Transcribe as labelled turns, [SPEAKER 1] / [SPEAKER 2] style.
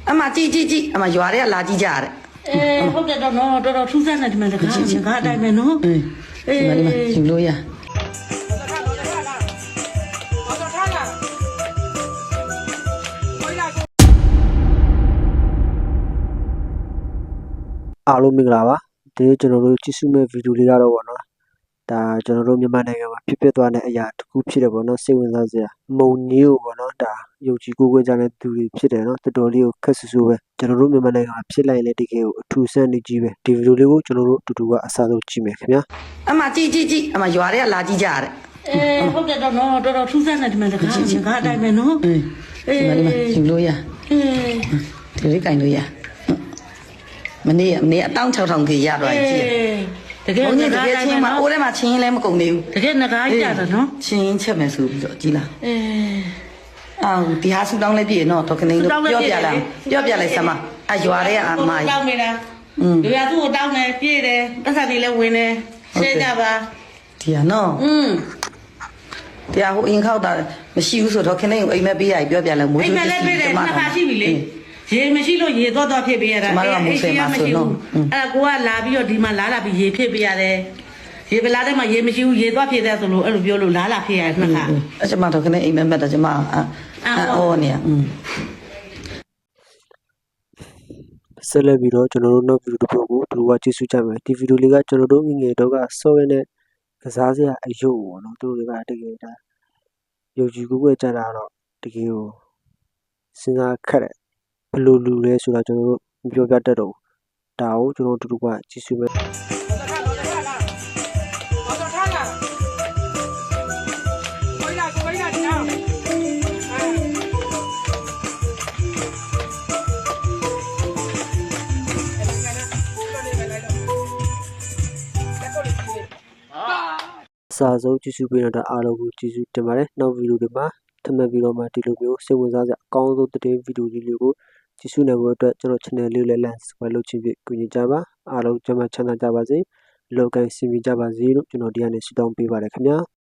[SPEAKER 1] အမကြည့်အမရွာတွေကလာကြည့်ကြရတယ်
[SPEAKER 2] ဟုတ်တယ်တော့နော်တော်တော်ထူးဆန်းတယ်ဒီမှာတကားအတိုင်းပဲနော်
[SPEAKER 1] ဒီမှာယူလို့ရ
[SPEAKER 3] အားလုံးမင်္ဂလာပါဒီကျွန်တော်တို့ကြည့်စုမဲ့ဗီဒီယိုလေးကတော့ဗောနော်ဒါကျွန်တော်တို့မြန်မာနိုင်ငံမှာဖြစ်သွားတဲ့အရာတစ်ခုဖြစ်တယ်ဗောနော်စိတ်ဝင်စားစရာမုံညို့ဗောနော်ဒါယုံကြည်ကိုးကွယ်ကြတဲ့သူတွေဖြစ်တယ်နော်တော်တော်လေးကိုခက်ဆူဆူပဲကျွန်တော်တို့မြန်မာနိုင်ငံမှာဖြစ်လိုက်လေတကယ်ကိုအထူးဆန်းနေကြီးပဲဒီဗီဒီယိုလေးကိုကျွန်တော်တို့အတူတူကအစားဆုံးကြည့်မယ်ခင်ဗျာ
[SPEAKER 1] အမကြည့်အမရွာတွေကလာကြည့်ကြရတယ်
[SPEAKER 2] ဟုတ်တယ်တော့နော်တော်တော်ထူးဆန်းတယ်ဒီမှာတကားအတိုင်းပဲနော်
[SPEAKER 1] ဒီမှာယူလို့ရဒီလေးကင်လို့ရမနေ့အတောင်း6000ခေရတော့ကြည့်
[SPEAKER 2] တကယ်
[SPEAKER 1] တကယ်ချင်းမအိုးထဲမှာချင်းလည်းမကုန်သေးဘူး
[SPEAKER 2] တကယ်ငကားကြတာနော်
[SPEAKER 1] ချင်းချက်မယ်ဆိုပြီးတော့ကြည်လားအော်ဒီဟာဆူတောင်းလေးပြည့်နော်တော့ခနေလို့ပြောပြလိုက်စမ်းမအရွာတွေကအမ
[SPEAKER 2] တောင်းနေတာဒီကသူ့ကိုတောင်းတယ်ပြည့်တယ်ပတ်စံတွေလည်းဝင်တယ်ရှင်းကြပါ
[SPEAKER 1] ဒီဟာနော်ဒီဟာဟိုအင်ခောက်တာမရှိဘူးဆိုတော့ခနေကိုအိမ်မက်ပေးရပြောပြလိုက်မိုးချိုး
[SPEAKER 2] အိမ်မက်လည်းပေးတယ်နှစ်ခါရှိပြီလေရေမရှိလို့ရေတော့ဖြစ်ပေးရတာ
[SPEAKER 1] မရှိဘူး
[SPEAKER 2] အဲ့ကိုကလာပြီးတော့ဒီမှာလာပြီးရေဖြစ်ပေးရတယ်ရေပလာတဲ့မှာရေမရှိဘူးရေတော့ဖြစ်တဲ့ဆိုလို့အဲ့လိုပြောလို့လာဖြစ်ရတယ်နှစ်ခါ
[SPEAKER 1] အဲ့ကျမတော့ခနေအိမ်မက်တော့ကျမအော်နေ
[SPEAKER 3] ဆက်လက်ပြီးတော့ကျွန်တော်တို့နောက်ဗီဒီယိုတစ်ပုဒ်ကိုဒီလိုကကြည့်စုကြမယ်ဒီဗီဒီယိုလေးကကျွန်တော်တို့ငငယ်တော့ကစောရဲနဲ့ကစားစရာအယုတ်ပေါ့နော်သူတို့တွေကတကယ်ဒါယုံကြည်ကိုးကွယ်ကြတာတော့တကယ်ကိုစဉ်းစားခက်တယ်ဘယ်လိုလူလဲဆိုတာကျွန်တော်တို့မပြောပြတတ်တော့ဒါကိုကျွန်တော်တို့တူကကြည့်စုမယ်အစားဆုံးကြည့်စုပေးတော့အားလုံးကိုကြည့်စုတင်ပါတယ်နောက်ဗီဒီယိုတွေမှာထပ်မံပြီးတော့မှဒီလိုမျိုးစိတ်ဝင်စားစရာအကောင်းဆုံးသတင်းဗီဒီယိုလေးတွေကိုကြည့်စုနိုင်ဖို့အတွက်ကျွန်တော် channel လေးလည်း like subscribe လုပ်ချင်ပြီးကူညီကြပါအားလုံးကျန်းမာချမ်းသာကြပါစေလောကီစီမီကြပါစေလို့ကျွန်တော်ဒီကနေဆုတောင်းပေးပါတယ်ခင်ဗျာ